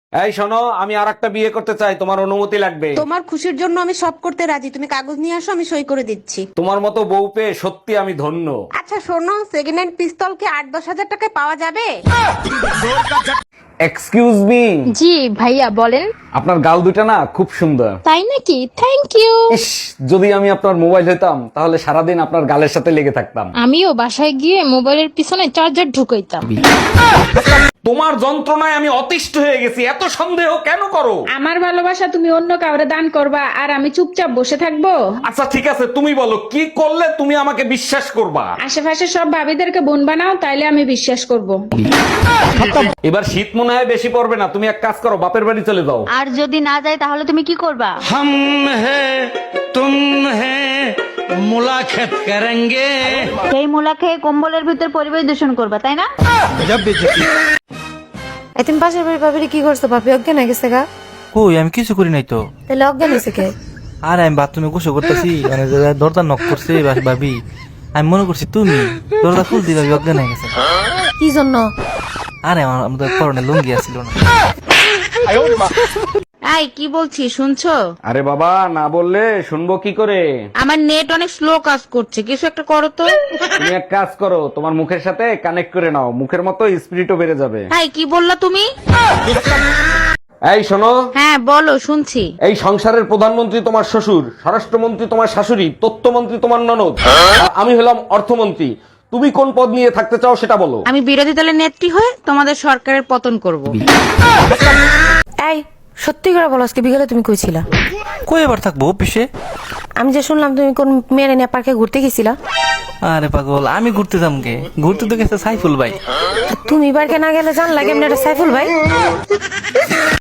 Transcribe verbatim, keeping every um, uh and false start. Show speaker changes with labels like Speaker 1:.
Speaker 1: এই শোনো, আমি আর একটা বিয়ে করতে চাই, তোমার অনুমতি লাগবে।
Speaker 2: তোমার খুশির জন্য আমি সব করতে রাজি, তুমি কাগজ নিয়ে আসো, আমি সই করে দিচ্ছি।
Speaker 1: তোমার মতো বউ পেয়ে সত্যি আমি ধন্য।
Speaker 2: আচ্ছা শোনো, সেকেন্ড হ্যান্ড পিস্তল কি আট দশ হাজার টাকায় পাওয়া যাবে?
Speaker 1: এক্সকিউজ মি,
Speaker 3: জি ভাইয়া বলেন।
Speaker 1: আপনার গাল দুটা না খুব সুন্দর।
Speaker 3: তাই নাকি? Thank you.
Speaker 1: ইস, যদি আমি আপনার মোবাইল হইতাম তাহলে সারাদিন আপনার গালের সাথে লেগে থাকতাম।
Speaker 3: আমিও বাসায় গিয়ে মোবাইলের পিছনে চার্জার ঢুকাইতাম।
Speaker 1: তোমার যন্ত্রণায় আমি অতিষ্ঠ হয়ে গেছি, এত সন্দেহ কেন করো?
Speaker 4: আমার ভালোবাসা তুমি অন্য কাউরে দান করবা আর আমি চুপচাপ বসে থাকবো?
Speaker 1: আচ্ছা ঠিক আছে, তুমি বলো কি করলে তুমি আমাকে বিশ্বাস করবা?
Speaker 4: আশেপাশে সব ভাবিদেরকে বোন বানাও, তাইলে আমি বিশ্বাস করব।
Speaker 1: এবার শীত মনে হয় বেশি পড়বে না, তুমি এক কাজ করো, বাপের বাড়ি চলে যাও।
Speaker 5: আর যদি না যায় তাহলে তুমি কি করবা?
Speaker 6: हम हैं तुम हैं मुलाकात करेंगे।
Speaker 5: সেই মুলা খেয়ে কম্বলের ভিতর পরিবেশ দূষণ করবা, তাই না?
Speaker 7: এই তুমি পাশের বাড়ির ভাবিরে কি করছো? ভাবি অজ্ঞান হয়ে গেছে গা?
Speaker 8: কই আমি কিছু করি নাই তো।
Speaker 7: তাহলে অজ্ঞান হয়েছে কে?
Speaker 8: আর আমি বাথরুমে গোসল করতেছি, মানে দরজা নক করছে বা- ভাবি, আমি মনে করছি তুমি দরজা খুলতে ভাবি অজ্ঞান হয়ে গেছে।
Speaker 7: কি জন্য?
Speaker 8: আরে আমার আমাদের পরনে লুঙ্গি আসছিল না।
Speaker 2: এই কি বলছি শুনছো?
Speaker 1: আরে বাবা, না বললে শুনবো কি করে?
Speaker 2: আমার নেট অনেক স্লো কাজ করছে, কিছু একটা করো তো।
Speaker 1: তুমি এক কাজ করো, তোমার মুখের সাথে কানেক্ট করে নাও, মুখের মতো স্পিরিটও বেড়ে যাবে।
Speaker 2: এই কি বললা তুমি?
Speaker 1: এই শোনো,
Speaker 2: হ্যাঁ বলো, শুনছি।
Speaker 1: এই সংসারের প্রধানমন্ত্রী তোমার শ্বশুর, স্বরাষ্ট্রমন্ত্রী তোমার শাশুড়ি, তথ্যমন্ত্রী তোমার ননদ, আর আমি হলাম অর্থমন্ত্রী। তুমি কোন পদ নিয়ে থাকতে চাও সেটা বলো।
Speaker 2: আমি বিরোধী দলের নেত্রী হয়ে তোমাদের সরকারের পতন করব।
Speaker 7: এই সত্যি করে বলো, আজকে বিকেলে তুমি কইছিলা?
Speaker 8: কই এবার থাকবো অফিসে?
Speaker 7: আমি যে শুনলাম তুমি কোন মেয়ের নিয়ে পার্কে ঘুরতে গেছিলা।
Speaker 8: আরে পাগল, আমি ঘুরতে যাম কে? ঘুরতে তো গেছে সাইফুল ভাই।
Speaker 7: তুমি পার্কে না গেলে জানলা কেমন এটা সাইফুল ভাই?